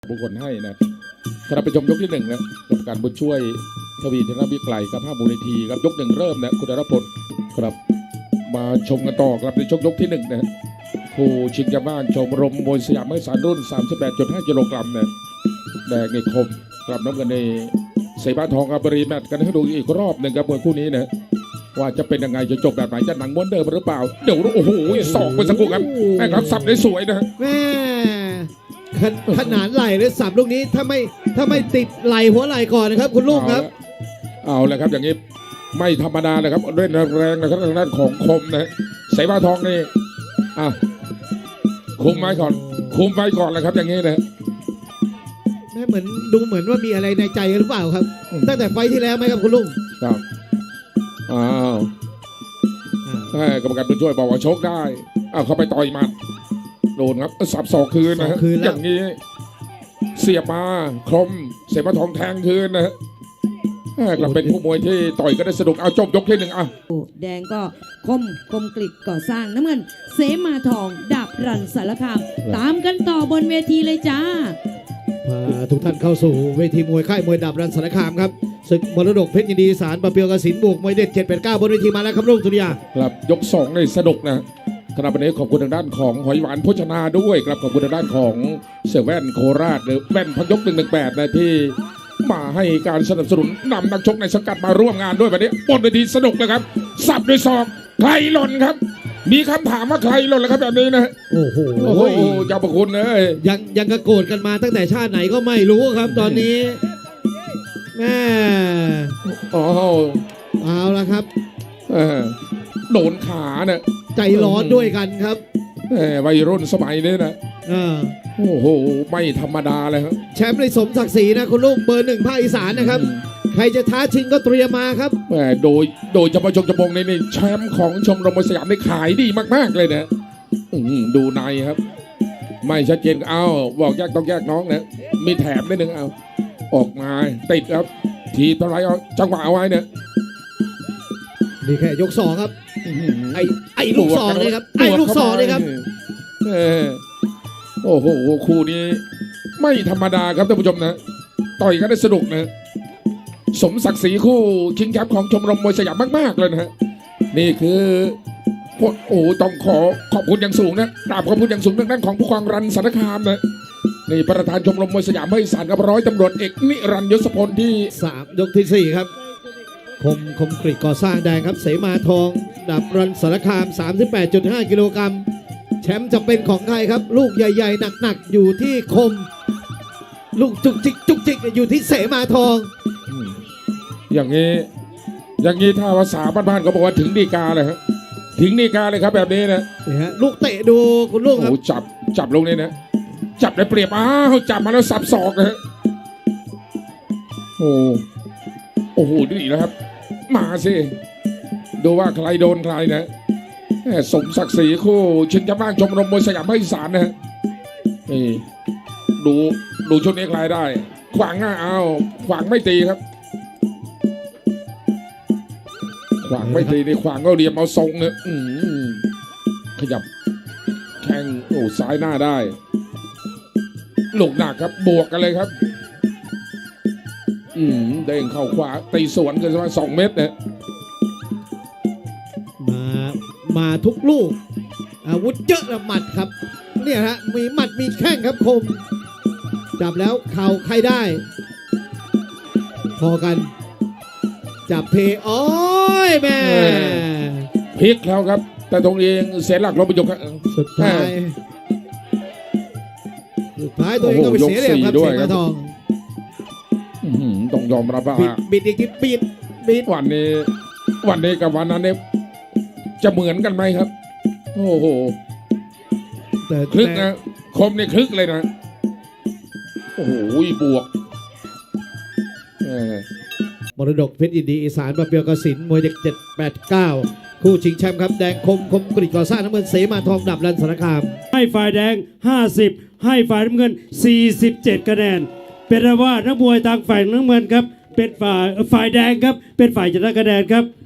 บุคคลให้นะครับไปชมยกที่หนึ่งนะกรรมการบุญช่วยทวีธนวิไกลกับ5 มูลนิธิครับยกหนึ่งเริ่มนะคุณธนพลครับมาชมกันต่อครับในยกที่หนึ่งนะคู่ชิงแชมป์บ้านชมรมมวยสยามเมื่อสารรุ่น 38.5 กิโลกรัมนะแดงในคมกลับน้ำกันในเสบ้านทองกับบรีแมตกันให้ดูอีกรอบหนึ่งครับมวยคู่นี้นะว่าจะเป็นยังไงจะจบแบบไหนจะหนังม้วนเดิมหรือเปล่าเดี๋ยวโอ้โหสองเป็นสักครู่ครับแม่ครับสับได้สวยนะแม่ขนาดไหลเลยสับลูกนี้ถ้าไม่ติดไหลหัวไหลก่อนนะครับคุณลุงครับเอาเลยครับอย่างนี้ไม่ธรรมดาเลยครับเล่นแรงนะครับทางด้านของคมนะเสบ้านทองนี่คุมไว้ก่อนเลยครับอย่างนี้นะแม่ดูเหมือนว่ามีอะไรในใจหรือเปล่าครับตั้งแต่ไฟที่แล้วไหมครับคุณลุงครับกรรมการผู้ช่วยบอกว่าชกได้เขาไปต่อยมัดโดนครับสับศอกคืนนะฮะอย่างนี้เสียบมาคมเสบ้านทองแทงคืนนะฮะกลับเป็นผู้มวยที่ต่อยก็ได้สนุกเอาจบยกที่หนึ่งแดงก็คมกริดก่อสร้างน้ำเงินเสมาทองดาบรันสารคามตามกันต่อบนเวทีเลยจ้าทุกท่านเข้าสู่เวทีมวยค่ายมวยดาบรันสารคามครับศึกมรดกเพชรยินดีสารปะเปียวกสินบวกมวยเด็ด789บนเวทีมาแล้วครับลุงสุริยาครับยก2ในสนุกนะครับวันนี้ขอบคุณทางด้านของหอยหวานโภชนาด้วยครับขอบคุณทางด้านของเซเว่นโคราชหรือแว่นพักยก118นะที่มาให้การสนับสนุนนำนักชกในสังกัดมาร่วมงานด้วยวันนี้บนเวทีสนุกเลยครับสับด้วยศอกใครหล่นครับมีคำถามว่าใครหล่นแล้วครับแบบนี้นะโอ้โหเจ้าประคุณเลยยังกระโกรธกันมาตั้งแต่ชาติไหนก็ไม่รู้ครับตอนนี้แม่เอาละครับโดนขาเนี่ยใจร้อนด้วยกันครับวัยรุ่นสมัยนี้นะโอ้โหไม่ธรรมดาเลยครับแชมป์ในสมศักดิ์ศรีนะคุณลุงเบอร์ 1ภาคอีสานนะครับใครจะท้าชิงก็เตรียมมาครับโดยเฉพาะชมจมงในแชมป์ของชมรมมวยสยามได้ขายดีมากๆเลยนะดูในครับไม่ชัดเจนบอกแยกต้องแยกน้องนะมีแถมนิดนึงออกมาติดครับทีตะไลจังหวะเอาไว้เนี่ยนี่แค่ยก2ครับไอ้ลูก2เลยครับไอ้ลูก2เลยครับโอ้โหคู่นี้ไม่ธรรมดาครับท่านผู้ชมนะต่อยกันได้สนุกนะสมศักดิ์ศรีคู่ชิงแชมป์ของชมรมมวยสยามมากๆเลยนะฮะนี่คือต้องขอบคุณอย่างสูงนะกราบขอบคุณอย่างสูงทางด้านของผู้กองรันสารคามนะนี่ประธานชมรมมวยสยามให้สารกับร้อยตำรวจเอกนิรันดร์ยศพลที่ 3ยกที่4ครับคมกริดก่อสร้างแดงครับเสมาทองดาบรันสารคาม 38.5 กิโลกรัมแชมป์จะเป็นของใครครับลูกใหญ่ๆหนักๆอยู่ที่คมลูกจุกจิกอยู่ที่เสมาทองอย่างนี้ถ้าภาษาบ้านๆเขาบอกว่าถึงดีกาเลยครับถึงดีกาเลยครับแบบนี้นะลูกเตะดูคุณลุงครับจับลงนี่นะจับได้เปรียบจับมาแล้วสับศอกนะโอ้โหดีแล้วครับมาสิดูว่าใครโดนใครนะสมศักดิ์ศรีคู่ชิงแชมป์บ้านชมรมมวยสยามภาคอีสานนะนี่ดูชุดนี้ใครได้ขวางหน้าขวางไม่ตีครับขวางไม่ตีนี่ขวางก็เรียมเอาทรงเนี่ยขยับแข้งซ้ายหน้าได้ลูกหนักครับบวกกันเลยครับเด้งเข้าขวาตีสวนกันประมาณ2 เมตรเนี่ยมาทุกลูกอาวุธเยอะละหมัดครับเนี่ยฮะมีหมัดมีแข้งครับคมจับแล้วเข่าใครได้พอกันจับเทโอ้ยแม่พลิกแล้วครับแต่ตรงเองเสียหลักลงไปยกสุดท้ายตัวเองก็ไปเสียเหลี่ยมครับเสมาทองต้องยอมรับว่าบิดอีกทีบิดวันนี้กับวันนั้นเนี่ยจะเหมือนกันไหมครับโอ้โหคลึกนะคมเนี่ยคลึกเลยนะโอ้โหบวกมรดกเพชรยินดีอีสานปะเปียวกสินมวยเด็ก789คู่ชิงแชมป์ครับแดงคมกริดก่อสร้างน้ำเงินเสมาทองดับรันสารคามให้ฝ่ายแดง50ให้ฝ่ายน้ำเงิน47คะแนนเป็นว่านักมวยทางฝ่ายน้ำเงินครับเป็นฝ่ายแดงครับเป็นฝ่ายชนะคะแนนครับ